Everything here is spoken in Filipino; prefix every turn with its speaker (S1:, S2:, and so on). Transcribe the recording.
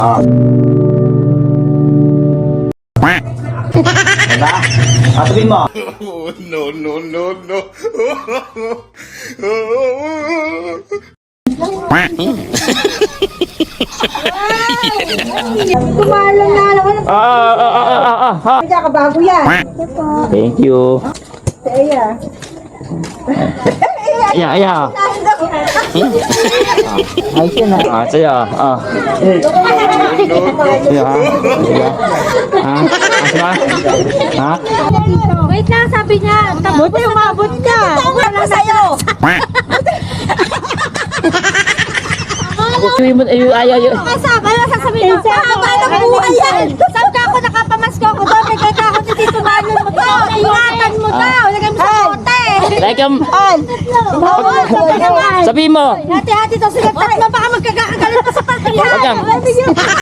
S1: Diba? Sabihin mo.
S2: No, no, no, no.
S3: Kumalang na naman. Kaya ka bago yan.
S1: Thank you.
S3: Kaya.
S1: Yeah. Ayos yun ah. Sa'yo. Sa'yo ha? Ha?
S4: Wait lang, sabi niya.
S3: Buti umabot ka. Wala sa'yo.
S1: Ayaw.
S4: Kasama, ano sasabihin mo? Paano buhay yan? Saan ka ako nakapamasko ko doon? Bigay ka ako ni Tito Manon mo to. Ingatan mo daw. Lagay mo sa bote.
S1: Sabihin mo.
S4: Hati-hati to. Sige, tatlo baka magkagakagalit pa sa parking.
S1: Wag yan.